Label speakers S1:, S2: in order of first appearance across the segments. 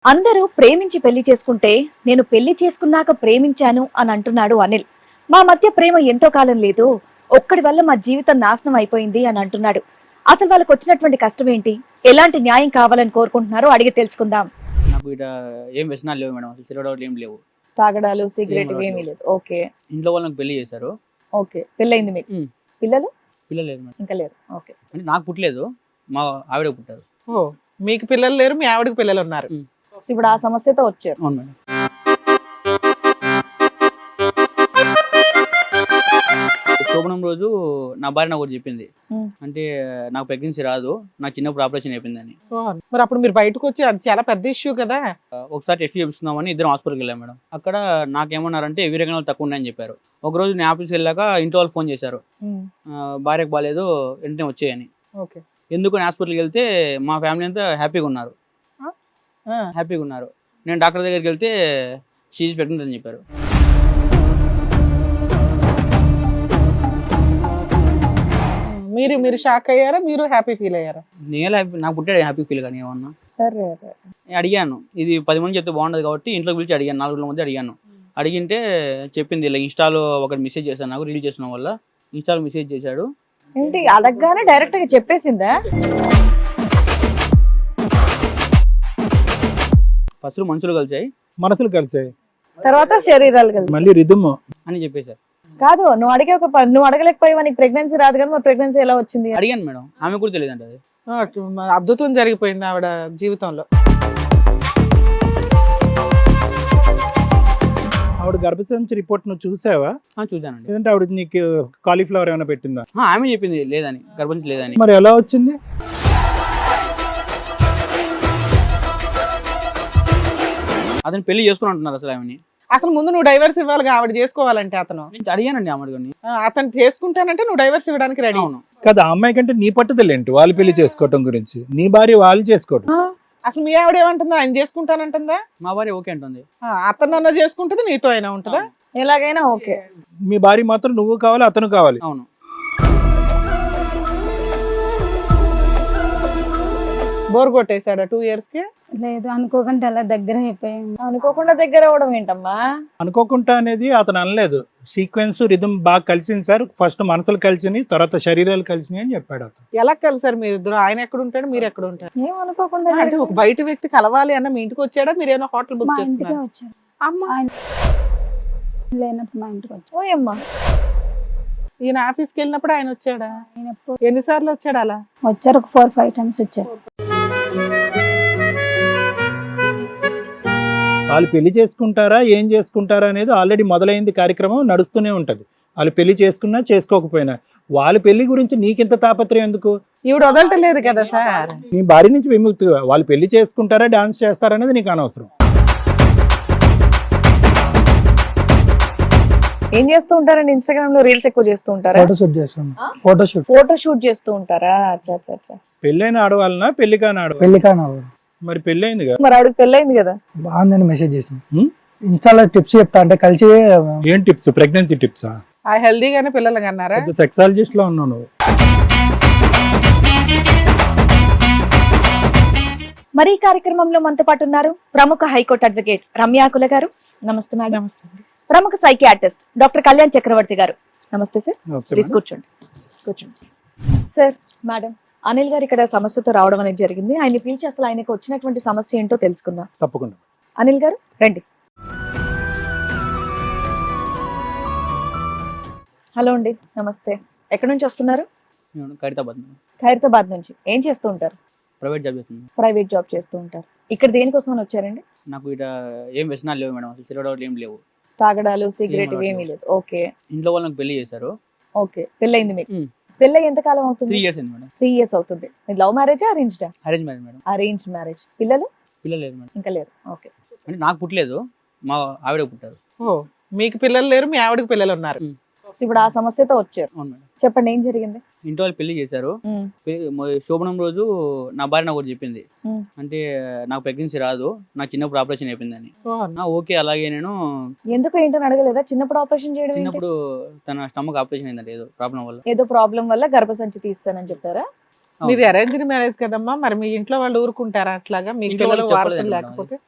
S1: అందరూ ప్రేమించి పెళ్లి చేసుకుంటే నేను పెళ్లి చేసుకున్నాక ప్రేమించాను అని అంటున్నాడు అనిల్. మా మధ్య ప్రేమ ఎంతో కాలం లేదు, ఒక్కడి వల్ల మా జీవితం నాశనం అయిపోయింది అని అంటున్నాడు. అసలు వాళ్ళకి వచ్చినటువంటి కష్టం ఏంటి, ఎలాంటి న్యాయం కావాలని కోరుకుంటున్నారో అడిగి తెలుసుకుందాం.
S2: నాకు ఇట ఏం వ్యసనాలు లేవు మేడం, అసలు తిరగడాలు ఏం లేవు.
S1: తాగడాలు, సిగరెట్
S2: ఏం
S1: ఏమీ లేదు. ఓకే
S2: ఇంట్లో వాళ్ళు నాకు పెళ్లి చేశారు.
S1: ఓకే, పెళ్ళయింది మీకు?
S2: ఉమ్.
S1: పిల్లలు
S2: పిల్లలు లేదు మేడం,
S1: ఇంకా లేరు. ఓకే,
S2: అంటే నాకు పుట్టలేదు, మా ఆవిడ పుట్టారు.
S3: ఓ, మీకు పిల్లలు లేరు, మీ ఆవిడకి పిల్లలు ఉన్నారు.
S1: ఇప్పుడు ఆ సమస్యతో వచ్చారు.
S2: అవును మేడం. శోభనం రోజు నా భార్య నాకు ఒకటి చెప్పింది,
S1: ఉమ్.
S2: అంటే నాకు ప్రెగ్నెన్సీ రాదు, నాకు చిన్నప్పుడు ఆపరేషన్ అయిపోయిందని.
S3: ఓ, మరి అప్పుడు మీరు బయటకు వచ్చి అది చాలా పెద్ద ఇష్యూ కదా.
S2: ఒకసారి టెస్ట్ చేపిస్తున్నామని ఇద్దరం హాస్పిటల్కి వెళ్ళాం మేడం. అక్కడ నాకేమన్నారంటే వీరగణాలు తక్కువ ఉన్నాయని చెప్పారు. ఒకరోజు నేను ఆఫీస్కి వెళ్ళాక ఇంట్లో వాళ్ళు ఫోన్ చేశారు, భార్యకు బాగాలేదు వెంటనే వచ్చేయని.
S3: ఓకే.
S2: ఎందుకు హాస్పిటల్కి వెళ్తే మా ఫ్యామిలీ అంతా హ్యాపీగా ఉన్నారు. నేను డాక్టర్ దగ్గరికి వెళ్తే సీజ్ ప్రెగ్నెంట్ అని చెప్పారు.
S3: మీరు మీరు షాక్ అయ్యారా, మీరు హ్యాపీ ఫీల్ అయ్యారా?
S2: నేను నాకు పుట్టాడు హ్యాపీ ఫీల్ కానీ ఏమన్నా నేను అడిగాను, ఇది 10 మంది చెప్తే బాగుండదు కాబట్టి ఇంట్లోకి పిలిచి అడిగాను, 4 రోజుల మధ్య అడిగాను. అడిగింటే చెప్పింది ఇలా ఇన్స్టాలో ఒకటి మెసేజ్ చేశాను, నాకు రీల్ చేసిన వల్ల ఇన్స్టాలో మెసేజ్ చేశాడు.
S1: ఏంటి అడగగానే డైరెక్ట్ గా చెప్పేసిందా?
S2: ఫస్ట్ మనుషులు కలిసాయి,
S4: మనసులు కలిసాయి,
S1: తర్వాత శరీరాలు కలిసి
S4: మళ్ళీ రిధమ్
S2: అని చెప్పేశారు.
S1: కాదు, నువ్వు అడిగే నువ్వు అడగలేకపోయావా, నీకు ప్రెగ్నెన్సీ రాదు కానీ మరి ప్రెగ్నెన్సీ ఎలా వచ్చింది?
S2: అడిగాను మేడం, ఆమె కూడా తెలియదు అంటే అది.
S3: అద్భుతం జరిగిపోయింది ఆవిడ జీవితంలో.
S4: ఆవిడ గర్భసంచి రిపోర్ట్ నువ్వు చూసావా?
S2: చూశానండి.
S4: లేదంటే ఆవిడ నీకు కాలీఫ్లవర్ ఏమైనా పెట్టిందా?
S2: ఆమె చెప్పింది లేదని, గర్భంచి లేదని.
S4: మరి ఎలా వచ్చింది?
S2: అతను పెళ్లి చేసుకుని అంటున్నారు అసలు ఆమెని.
S3: అసలు ముందు నువ్వు డైవర్స్ ఇవ్వాలిగా ఆవిడ చేసుకోవాలంటే. అతను
S2: నేను అడిగానండి ఆమెని.
S3: అతను చేసుకుంటానంటే నువ్వు డైవర్స్ ఇవ్వడానికి రెడీ.
S2: అవును
S4: కదా, ఆ అమ్మాయి కంటే నీ పట్టుదల ఏంటి వాళ్ళు పెళ్లి చేసుకోవటం గురించి? నీ భార్య వాళ్ళు చేసుకోవటం.
S3: అసలు మీ ఆవిడ ఏమంటుందా? ఆయన చేసుకుంటానంటుందా?
S2: మా భార్య ఓకే అంటుంది.
S3: అతను అన్న చేసుకుంటుంది, నీతో అయినా ఉంటుందా?
S1: ఎలాగైనా ఓకే.
S4: మీ భార్య మాత్రం నువ్వు కావాలి, అతను కావాలి.
S2: అవును.
S3: బోర్ కొట్టేశాడా 2 years కి?
S5: లేదు, అనుకోకుండా అలా దగ్గర అయిపోయాను.
S1: అనుకోకుండా దగ్గర అవడం ఏంటమ్మా?
S4: అనుకోకుండా అనేది అతను అనలేదు, సీక్వెన్స్ రిధమ్ బాగా కలిసింది సార్. ఫస్ట్ మనసులు కలిసినాయి, తర్వాత శరీరాలు కలిసినాయి అని చెప్పాడు అతను.
S3: ఎలా కలిసారు మీరు ఇద్దరు? ఆయన ఎక్కడ ఉంటాడు, మీరు ఎక్కడ ఉంటారు?
S1: ఏం అనుకోకుండా
S3: అంటే ఒక బయట వ్యక్తి కలవాలి అన్న మీ ఇంటికి వచ్చాడా, మీరు ఏమైనా హోటల్ బుక్
S5: మా ఇంటికే
S3: చేసుకున్నారు?
S5: వచ్చారు.
S3: అమ్మా,
S5: ఆయన లేనప్పుడు మా ఇంటికి వచ్చారు.
S1: ఓయమ్మా,
S3: ఈయన ఆఫీస్కి వెళ్ళినప్పుడు ఆయన వచ్చాడా?
S5: ఆయన ఎప్పుడు
S3: ఎన్నిసార్లు వచ్చాడు అలా?
S5: వచ్చారు, ఒక 4-5 times వచ్చారు.
S4: వాళ్ళు పెళ్లి చేసుకుంటారా ఏం చేసుకుంటారా అనేది ఆల్రెడీ మొదలైంది, కార్యక్రమం నడుస్తూనే ఉంటది. వాళ్ళు పెళ్లి చేసుకున్నా చేసుకోకపోయినా వాళ్ళ పెళ్లి గురించి నీకింత తాపత్రయం ఎందుకు?
S3: ఈవిడ వదలటలేదు కదా సార్.
S4: నీ భార్య నుంచి విముక్తిగా వాళ్ళు పెళ్లి చేసుకుంటారా డాన్స్ చేస్తారా అనేది నీకు అనవసరం.
S1: ఏం చేస్తూ ఉంటారండి? ఇన్స్టాగ్రామ్ లో రీల్స్ ఎక్కువ చేస్తూ ఉంటారా?
S6: ఫోటోషూట్ చేస్తాం.
S1: ఫోటో షూట్ చేస్తూ ఉంటారా? అచ్చా అచ్చా అచ్చా.
S4: పెళ్ళైన ఆడవాళ్ళనా పెళ్లి కాని ఆడవాళ్ళ?
S6: పెళ్లి కాను
S4: మరి పెళ్ళైంది కదా,
S1: మరి ఆవిడకి పెళ్ళైంది కదా.
S6: బాగుందని మెసేజ్ చేస్తాం.
S4: హ్మ్?
S6: ఇన్స్టాలో టిప్స్ చెప్తా అంటే కలిసి
S4: ఏం టిప్స్? ప్రెగ్నెన్సీ టిప్సా?
S3: ఆ హెల్దీగానే పిల్లలు కన్నారా?
S4: సెక్సాలజిస్ట్ లో ఉన్నావు నువ్వు.
S1: మరి ఈ కార్యక్రమంలో మనతో పాటు ఉన్నారు ప్రముఖ హైకోర్టు అడ్వకేట్ రమ్యాకుల గారు. నమస్తే మేడం.
S3: నమస్తే.
S1: ప్రముఖ సైకియాట్రిస్ట్ డాక్టర్ కళ్యాణ్ చక్రవర్తి గారు. నమస్తే సార్.
S4: Okay
S1: please
S4: madam.
S1: కూర్చోండి. సార్, మేడం అనిల్ గారు ఇక్కడ సమస్యతో రావడం అనేది జరిగింది. ఆయన పిలిచి అసలు ఆయనకు వచ్చినటువంటి సమస్య ఏంటో తెలుసుకుందాం.
S4: తప్పకుండా.
S1: అనిల్ గారు రండి. హలో అండి, నమస్తే. ఎక్కడి నుంచి వస్తున్నారు?
S2: నేను ఖైరతాబాద్ మేడం.
S1: ఖైరతాబాద్ నుంచి. ఏం చేస్తూ ఉంటారు?
S2: ప్రైవేట్ జాబ్ చేస్తున్నాను.
S1: ప్రైవేట్ జాబ్ చేస్తూ ఉంటారు. ఇక్కడ దేనికోసం అని వచ్చారండి?
S2: నాకు ఇట ఏం వ్యసనాలు లేవు మేడం, అసలు తిరగడాలు ఏం లేవు.
S1: తాగడాలు, సిగరెట్
S2: ఏం
S1: ఏమీ లేదు. ఓకే
S2: ఇంట్లో వాళ్ళు నాకు పెళ్లి చేశారు.
S1: ఓకే, పెళ్ళయింది మీకు?
S2: ఉమ్.
S1: పెళ్ళి ఎంత కాలం అవుతుంది?
S2: 3 years అయింది మేడం.
S1: 3 years అవుతుంది. లవ్ మ్యారేజా అరేంజ్డా?
S2: Arrange marriage madam.
S1: Arranged marriage. పిల్లలు
S2: పిల్లలు లేదు మేడం,
S1: ఇంకా లేరు. ఓకే,
S2: అంటే నాకు పుట్టలేదు, మా ఆవిడ పుట్టారు.
S3: ఓ, మీకు పిల్లలు లేరు, మీ ఆవిడకి పిల్లలు ఉన్నారు.
S1: ఇప్పుడు ఆ సమస్యతో వచ్చారు.
S2: అవును మేడం.
S1: చెప్పండి, ఏం జరిగింది?
S2: ఇంట్లో వాళ్ళు పెళ్లి చేశారు. శోభనం రోజు నా భార్య నాకు ఒకటి చెప్పింది,
S1: ఉమ్.
S2: అంటే నాకు ప్రెగ్నెన్సీ రాదు, నాకు చిన్నప్పుడు ఆపరేషన్ అయిపోయిందని.
S3: ఓ,
S2: ఓకే అలాగే నేను
S1: ఎందుకు ఏంటని అడగలేదా? చిన్నప్పుడు ఆపరేషన్ చేయడం ఏంటి?
S2: చిన్నప్పుడు తన స్టమక్ ఆపరేషన్ అయిందంటే ఏదో ప్రాబ్లం వల్ల.
S1: ఏదో ప్రాబ్లం వల్ల గర్భసంచి తీస్తానని చెప్పారా?
S3: మీది అరేంజ్డ్ మ్యారేజ్ కదమ్మా, మరి మీ ఇంట్లో వాళ్ళు ఊరుకుంటారా అట్లాగా? మీ
S2: ఇంట్లో
S3: పిల్లలు
S2: వాళ్ళకి
S3: వారసులు
S2: చెప్పలేదు
S3: లేకపోతే?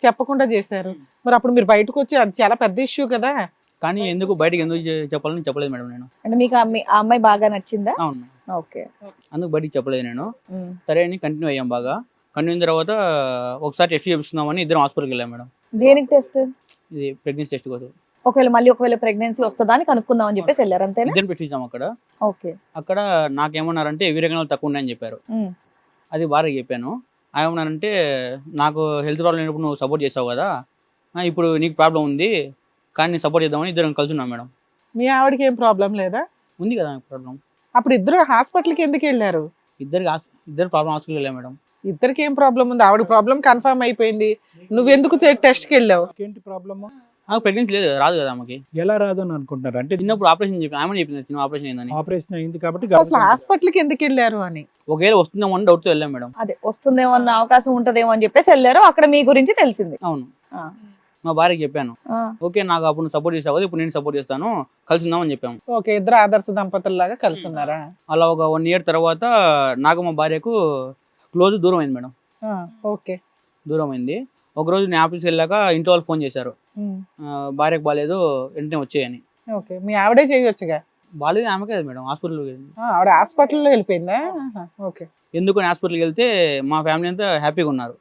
S3: చెప్పకుండా చేశారు. మరి అప్పుడు మీరు బయటకు వచ్చి అది చాలా పెద్ద ఇష్యూ కదా.
S2: కానీ ఎందుకు బయటకు ఎందుకు చెప్పాలని చెప్పలేదు మేడం నేను.
S1: అంటే మీకు ఆ అమ్మాయి బాగా నచ్చిందా?
S2: అవును మేడం.
S1: ఓకే.
S2: అందుకు బయటికి చెప్పలేదు నేను. సరే అని కంటిన్యూ అయ్యాం బాగా. కంటిన్యూ అయిన తర్వాత ఒకసారి టెస్ట్ చేపిస్తున్నామని ఇద్దరం హాస్పిటల్కి వెళ్ళాం మేడం.
S1: దేనికి టెస్ట్?
S2: ఇది ప్రెగ్నెన్సీ టెస్ట్ కోసం.
S1: ఒకవేళ ప్రెగ్నెన్సీ వస్తుందా అని కనుక్కుందాం అని చెప్పేసి వెళ్ళారు అంతేనా?
S2: ఇద్దరం పెట్టించాం అక్కడ.
S1: ఓకే.
S2: అక్కడ నాకేమన్నారంటే వీరగణాలు తక్కువ ఉన్నాయని చెప్పారు. అది భార్యకి చెప్పాను. ఏమన్నానంటే నాకు హెల్త్ ప్రాబ్లం లేనప్పుడు నువ్వు సపోర్ట్ చేసావు కదా, ఇప్పుడు నీకు ప్రాబ్లం ఉంది కానీ నేను సపోర్ట్ చేద్దామని ఇద్దరం కలిసి ఉన్నాం మేడం.
S3: మీ ఆవిడకి ఏం ప్రాబ్లం లేదా?
S2: ఉంది కదా నాకు ప్రాబ్లం.
S3: అప్పుడు ఇద్దరు హాస్పిటల్కి ఎందుకు వెళ్ళారు?
S2: ఇద్దరు ప్రాబ్లం హాస్పిటల్కి వెళ్ళాం మేడం.
S3: ఇద్దరికి ఏం ప్రాబ్లం ఉంది? ఆవిడ ప్రాబ్లం కన్ఫర్మ్ అయిపోయింది, నువ్వెందుకు టెస్ట్కి వెళ్ళావు?
S4: ఏంటి ప్రాబ్లమ్?
S2: నాకు ప్రెగ్నెన్సీ లేదు, రాదు కదా ఆమెకి.
S4: ఎలా రాదు అని అనుకుంటున్నారు? అంటే
S2: చిన్నప్పుడు ఆపరేషన్ చెప్పి ఆమె చెప్పింది చిన్న ఆపరేషన్ అయిందని.
S4: ఆపరేషన్ అయింది కాబట్టి
S3: అసలు హాస్పిటల్కి ఎందుకు వెళ్ళారు అని.
S2: ఒకవేళ వస్తుందేమో అని డౌట్తో వెళ్ళాం మేడం.
S1: అదే వస్తుందేమో అన్న అవకాశం ఉంటదేమో అని చెప్పేసి వెళ్ళారు. అక్కడ మీ గురించి తెలిసింది.
S2: అవును. మా భార్యకి చెప్పాను. ఓకే నాకు అప్పుడు నువ్వు సపోర్ట్ చేసావు కదా, ఇప్పుడు నేను సపోర్ట్ చేస్తాను, కలిసి ఉందామని చెప్పాము.
S3: ఓకే, ఇద్దరు ఆదర్శ దంపతుల్లాగా కలిసి ఉన్నారా?
S2: అలా ఒక 1 year తర్వాత నాకు మా భార్యకు క్లోజ్ దూరం అయింది మేడం.
S3: ఓకే.
S2: దూరం అయింది. ఒకరోజు నేను ఆఫీస్కి వెళ్ళాక ఇంట్లో వాళ్ళు ఫోన్ చేశారు, భార్యకు బాగాలేదు వెంటనే వచ్చేయని.
S3: ఓకే, మీ ఆవిడే చేయొచ్చుగా.
S2: బాగాలేదు ఆమెకే కదా మేడం, హాస్పిటల్కి వెళ్ళింది.
S3: ఆవిడ హాస్పిటల్లో వెళ్ళిపోయిందా? ఓకే.
S2: ఎందుకని హాస్పిటల్కి వెళ్తే మా ఫ్యామిలీ అంతా హ్యాపీగా ఉన్నారు.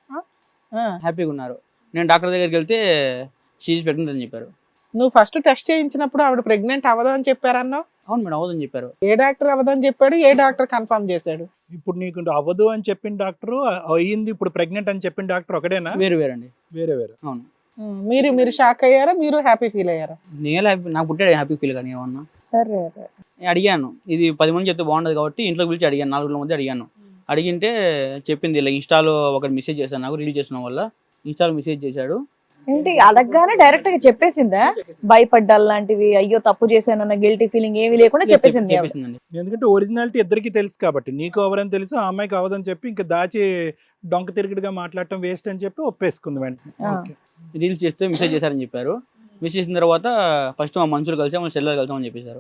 S2: నేను డాక్టర్ దగ్గరికి వెళ్తే షీఈస్ ప్రెగ్నెంట్ అని చెప్పారు.
S3: నువ్వు ఫస్ట్ టెస్ట్ చేయించినప్పుడు ఆవిడ ప్రెగ్నెంట్ అవ్వదు అని చెప్పారన్నావు.
S2: అవును మేడం, అవ్వదని చెప్పారు.
S3: ఏ డాక్టర్ అవ్వదని చెప్పాడు? ఏ డాక్టర్ కన్ఫర్మ్ చేశాడు?
S4: ఇప్పుడు నీకు అవ్వదు అని చెప్పిన డాక్టర్, అయ్యింది ఇప్పుడు ప్రెగ్నెంట్ అని చెప్పిన డాక్టర్ ఒకటేనా?
S2: వేరండి.
S4: వేరే.
S2: అవును.
S3: మీరు షాక్ అయ్యారా? మీరు హ్యాపీ ఫీల్ అయ్యారా?
S2: నేను హ్యాపీ, నాకు పుట్టాడు హ్యాపీ ఫీల్ కానీ ఏమన్నా. నేను అడిగాను, ఇది 10 మంది చెప్తే బాగుండదు కాబట్టి ఇంట్లోకి పిలిచి అడిగాను, 4 రోజుల మధ్య అడిగాను. అడిగింటే చెప్పింది ఇలా ఇన్స్టాలో ఒకటి మెసేజ్ చేశాను, నాకు రీల్ చేసిన వల్ల ఇన్స్టాలో మెసేజ్ చేశాడు.
S1: ఏంటి అడగగానే డైరెక్ట్ గా చెప్పేసిందా? భయపడ్డాలు లాంటివి, అయ్యో తప్పు చేశానన్న గిల్టీ ఫీలింగ్ ఏమీ లేకుండా చెప్పేసింది.
S4: ఎందుకంటే ఒరిజినాలిటీ ఇద్దరికి తెలుసు కాబట్టి, నీకు ఎవరని తెలుసు, ఆ అమ్మాయికి అవ్వదని చెప్పి ఇంకా దాచి డొంక తిరుగుడుగా మాట్లాడటం వేస్ట్ అని చెప్పి ఒప్పేసుకుంది వెంటనే.
S2: రీల్స్ చేస్తే మెసేజ్ చేశారని చెప్పారు. మెసేజ్ చేసిన తర్వాత ఫస్ట్ మా మనుషులు కలిసాం, మా సెల్లర్ కలిసామని చెప్పేశారు.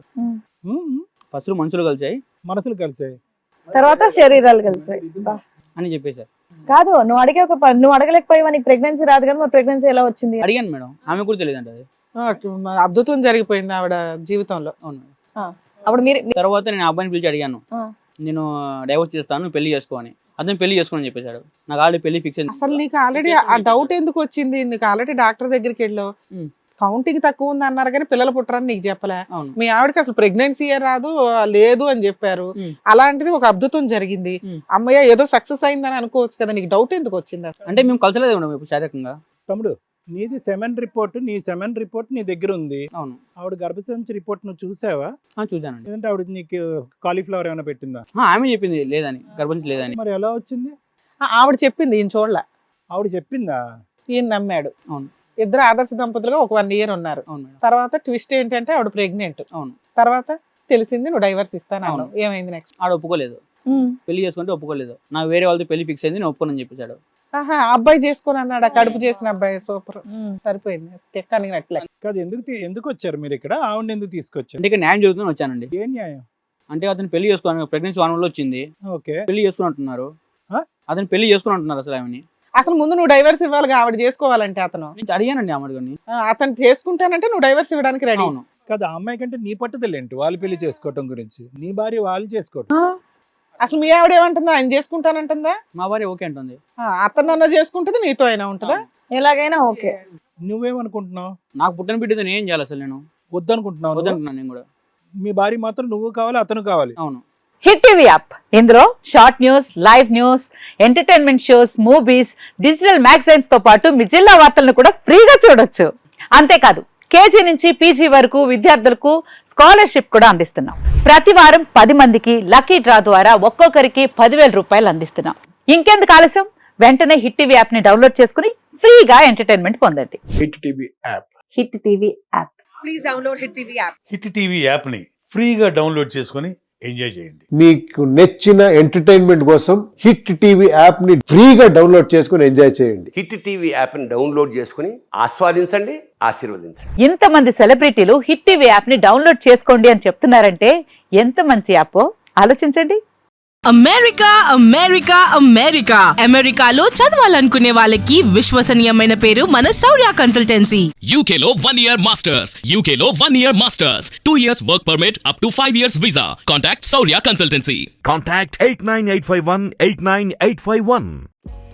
S2: ఫస్ట్ మనుషులు కలిసాయి,
S4: మనసులు కలిసాయి,
S1: తర్వాత శరీరాలు కలిసాయి
S2: అని చెప్పేశారు.
S1: కాదు, నువ్వు అడగలేకపోయావా? నీకు ప్రెగ్నెన్సీ రాదు కదా, మరి ప్రెగ్నెన్సీ ఎలా వచ్చింది?
S2: అడిగాను మేడం, ఆమె కూడా తెలియదు అంటే. అది
S3: అద్భుతం జరిగిపోయింది ఆవిడ జీవితంలో.
S2: అవును.
S1: అప్పుడు మీరు
S2: తర్వాత నేను ఆ అబ్బాయిని పిలిచి అడిగాను, నేను డైవర్స్ చేస్తాను, పెళ్లి చేసుకో అని. అతను పెళ్లి చేసుకోని చెప్పేశాడు. నాకు ఆల్రెడీ పెళ్లి ఫిక్స్ అయింది.
S3: అసలు నీకు ఆల్రెడీ ఆ డౌట్ ఎందుకు వచ్చింది? నీకు ఆల్రెడీ డాక్టర్ దగ్గరికి వెళ్ళావు, కౌంటింగ్ తక్కువ ఉంది అన్నారు కానీ పిల్లలు పుట్టరని నీకు చెప్పలే. మీ ఆవిడకి అసలు ప్రెగ్నెన్సీ రాదు లేదు అని చెప్పారు. అలాంటిది ఒక అద్భుతం జరిగింది. అమ్మయ్య ఏదో సక్సెస్ అయిందని అనుకోవచ్చు కదా, నీకు డౌట్ ఎందుకు వచ్చింది?
S2: అంటే మేము కలిసలేదు మేడం ఇప్పుడు శారీరకంగా.
S4: తమ్ముడు, నీది సెమెన్ రిపోర్ట్, నీ సెమెన్ రిపోర్ట్ నీ దగ్గర ఉంది.
S2: అవును.
S4: ఆవిడ గర్భసంచి రిపోర్ట్ నువ్వు చూసావా?
S2: చూసానండి.
S4: లేదంటే ఆవిడ నీకు కాలీఫ్లవర్ ఏమైనా పెట్టిందా?
S2: ఆమె చెప్పింది లేదని, గర్భంచి లేదని.
S4: మరి ఎలా వచ్చింది?
S3: ఆవిడ చెప్పింది, ఈయన చూడలే.
S4: ఆవిడ చెప్పిందా?
S3: ఈయన నమ్మాడు.
S2: అవును.
S3: ఇద్దరు ఆదర్శ దంపతులుగా ఒక 1 year ఉన్నారు. తర్వాత ట్విస్ట్ ఏంటంటే ఆవిడ ప్రెగ్నెంట్.
S2: అవును.
S3: తర్వాత తెలిసింది నువ్వు డైవర్స్ ఇస్తాను. ఏమైంది నెక్స్ట్?
S2: ఆవిడ ఒప్పుకోలేదు, పెళ్లి చేసుకుంటే ఒప్పుకోలేదు. నాకు వేరే వాళ్ళతో పెళ్లి ఫిక్స్ అయింది, నేను ఒప్పుకోనని చెప్పేశాడు.
S3: అబ్బాయి చేసుకుని అన్నాడు, కడుపు చేసిన అబ్బాయి. సూపర్, సరిపోయింది. తెక్కనినట్లే
S4: కాదు. ఎందుకు వచ్చారు మీరు ఇక్కడ? ఆవిడ ఎందుకు తీసుకొచ్చారు?
S2: అంటే న్యాయం జరుగుతుందని వచ్చానండి.
S4: ఏం న్యాయం?
S2: అంటే అతను పెళ్లి చేసుకోవాలి, ప్రెగ్నెన్సీ 1 month వచ్చింది, పెళ్లి చేసుకుని అంటున్నారు. అతను పెళ్లి చేసుకుని అంటున్నారు. అసలు ఆమెని
S3: అసలు ముందు నువ్వు డైవర్స్ ఇవ్వాలి, ఆవిడ చేసుకోవాలంటే. అతను
S2: అడిగానండి ఆమెని,
S3: అతను చేసుకుంటానంటే నువ్వు డైవర్స్ ఇవ్వడానికి రెడీ.
S2: అవును.
S4: కాదు, ఆ అమ్మాయి కంటే నీ పట్టుదల ఏంటి? వాళ్ళు పెళ్లి చేసుకోవటం గురించి, నీ భార్య వాళ్ళు చేసుకోవటం.
S3: అసలు మీ ఆవిడ ఏమంటుందా? ఆయన చేసుకుంటానంటుందా?
S2: మా భార్య ఓకే అంటుంది.
S3: అతను అన్న చేసుకుంటుంది, నీతో అయినా ఉంటుందా?
S1: ఎలాగైనా ఓకే.
S4: నువ్వేమనుకుంటున్నావు?
S2: నాకు పుట్టిన బిడ్డతో నేను ఏం చేయాలి? అసలు నేను
S4: వద్దనుకుంటున్నావు.
S2: వద్దనుకున్నాను నేను కూడా.
S4: మీ భార్య మాత్రం నువ్వు కావాలి, అతను కావాలి.
S2: అవును.
S7: హిట్ టీవీ యాప్, ఇందులో short news, live news, entertainment shows, movies, digital magazines తో పాటు మీ జిల్లా వార్తలను కూడా ఫ్రీగా చూడొచ్చు. అంతేకాదు, కేజీ నుంచి పీజీ వరకు విద్యార్థులకు స్కాలర్షిప్ కూడా అందిస్తున్నాం. ప్రతి వారం 10 మందికి లక్కీ డ్రా ద్వారా ఒక్కొక్కరికి 10,000 రూపాయలు అందిస్తున్నాం. ఇంకెందుకు ఆలస్యం? వెంటనే హిట్ టీవీ యాప్ ని డౌన్లోడ్ చేసుకుని ఫ్రీగా ఎంటర్టైన్మెంట్ పొందండి.
S8: Hit TV app.
S7: Hit TV app.
S9: Please download hit TV app.
S8: Hit TV app ని ఫ్రీగా డౌన్లోడ్ చేసుకొని ఎంజాయ్ చేయండి.
S10: మీకు నచ్చిన ఎంటర్టైన్మెంట్ కోసం హిట్ టీవీ యాప్ ని ఫ్రీగా డౌన్లోడ్ చేసుకొని ఎంజాయ్ చేయండి.
S11: హిట్ టీవీ యాప్ ని డౌన్లోడ్ చేసుకుని ఆస్వాదించండి, ఆశీర్వదించండి.
S7: ఇంతమంది సెలబ్రిటీలు హిట్ టీవీ యాప్ ని డౌన్లోడ్ చేసుకోండి అని చెప్తున్నారంటే ఎంత మంచి యాప్ ఆలోచించండి.
S9: అమెరికా అమెరికా అమెరికా అమెరికాలో చదవాలనుకునే వాళ్ళకి విశ్వసనీయమైన పేరు మన శౌర్య కన్సల్టెన్సీ.
S12: UK లో 1 year masters. UK లో 1 year masters. 2 years work permit up to 5 years visa. Contact Saurya Consultancy.
S13: Contact 89851 89851.